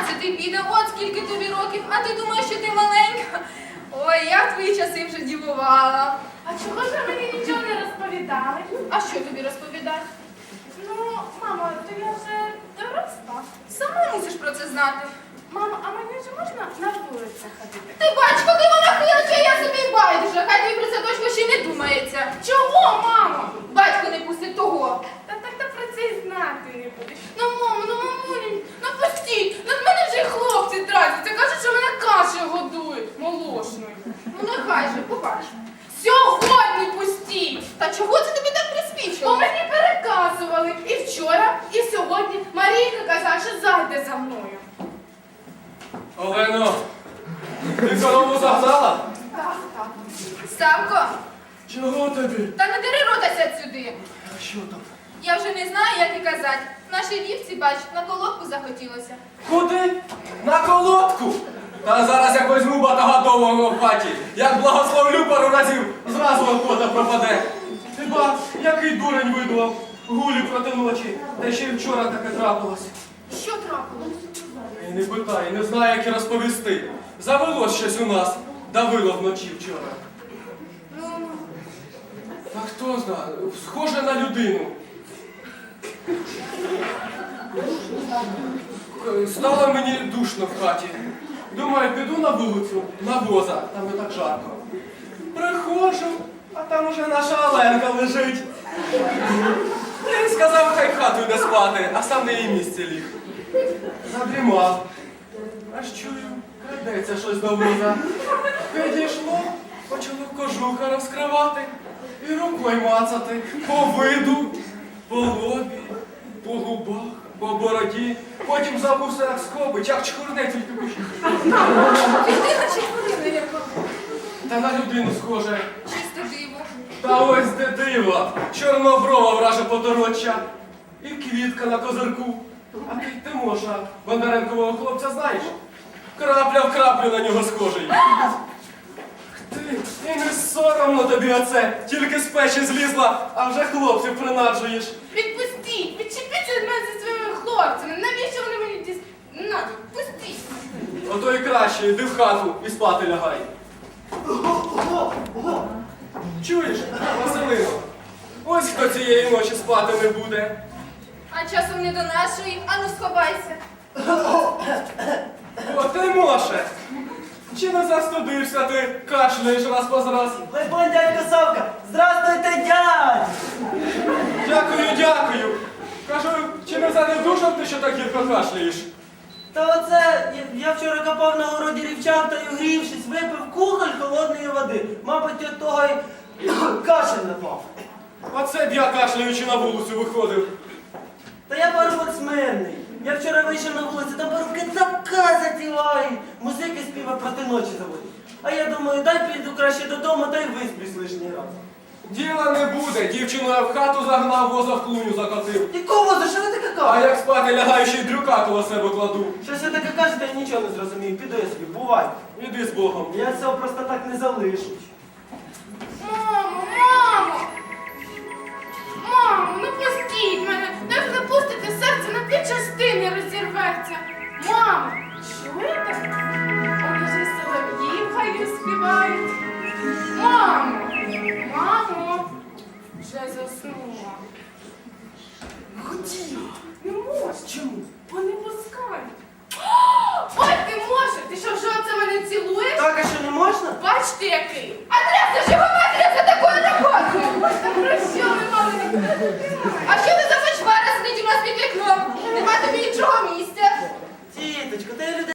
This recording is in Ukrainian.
12 піде, от скільки тобі років, а ти думаєш, що ти маленька? Ой, я в твої часи вже дівувала. А чого ж ви мені нічого не розповідали? А що тобі розповідати? Ну, мамо, то я вже доросла. Сама мусиш про це знати. Мамо, а мені ж можна на вулицю ходити? Ти бач, коли вона кличе, я собі байдуже, хай тобі про це точно ще й не думається. Чого, мамо? Батько не пустить того. Та про це й знати не будеш. Ну, мамо, ну, мамулінь, ну пустіть. Над мене вже й хлопці тратяться. Кажуть, що мене кашею годують молошною. Ну нехай же, побач. Сьогодні пустіть. Та чого це тобі так Бо приспічило? мені переказували і вчора, і сьогодні. Марійка казала, що зайде за мною. Олено, ти корову загнала? Так. Савко, Чого тобі? та не дери рота сядь сюди. А що там? Я вже не знаю, як і казати. Нашій дівці, бач, на колодку захотілося. Куди? На колодку? Та зараз як візьму багатогодового в хаті, як благословлю пару разів, зразу охота пропаде. Ти ба, який дурень видував, гулі проти ночі, та ще й вчора таке трапилось. Що трапилось? І не питай, не знаю, як і розповісти. Завелось щось у нас, давило вночі вчора. Ну, А хто знає, схоже на людину. Стало мені душно в хаті. Думаю, піду на вулицю, на воза, там не так жарко. Приходжу, а там уже наша Оленка лежить. Я їй сказав, хай в хату йде спати, а сам на її місці ліг. Задрімав. Аж чую, крадеться щось до воза. Підійшло, почало кожуха розкривати і рукою мацати по виду, по лобі, по губах, по бороді. Потім забувся як скобич, як чхурне тільки пише. людина чи хвилина яка? Та на людину схоже. Чисте диво. Та ось де диво. Чорноброва враже потороча. І квітка на козирку. А ти Тимоша, Бондаренкового хлопця, знаєш? Крапля в краплю на нього схожий. Ти, і не соромно тобі оце. Тільки з печі злізла, а вже хлопців принаджуєш. Відпустіть, відчепіться від мене зі своїми хлопцями. Навіщо вони мені надо? Пустіть. Ото і краще, йди в хату і спати лягай. Чуєш, Василино? Ось хто цієї ночі спати не буде. А часом не до нашої, ану сховайся. О, Тимоше! Чи не застудився ти, кашляєш раз по раз? Либонь, дядько Савка! Здравствуйте, дядь! Дякую, дякую. Кажу, чи не занедужав ти, що так гірко кашляєш? Та оце, я вчора копав на городі рівчак та й угрівшись, випив кухоль холодної води. Мабуть, від того й кашель напав. Оце б я кашляючи на вулицю виходив. Та я парубок смирний. Я вчора вийшов на вулицю, там парубки така затівають. Музики співа проти ночі заводять. А я думаю, дай піду краще додому, та й висплюсь лишній раз. Діла не буде. Дівчину я в хату загнав, воза в клуню закотив. Якого, за що ви таке А кажете? як спати лягаю, ще й дрюка коло себе кладу. Щось ви таке кажете, я нічого не зрозумію. Піду я собі, бувай. Іди з Богом. Я цього просто так не залишу. Мамо, мамо! Мамо, ну пустіть мене! Як запустите серце, на 2 частини розірветься! Мамо, чуєте? Он уже солов'їв хай співають. Мамо! Мамо! Вже заснула. Хотів. Не можеш. Чому? Бо не пускають. Ой, ти можеш! Ти що, вже оце мене цілуєш? Так, а що не можна? Бачите, який? А трясся ж його матері за такою роботою! Та про що ви, мали, не А що ти за фальшвара сидить у нас під вікном? Нема тобі нічого місця. Тіточко, та я людей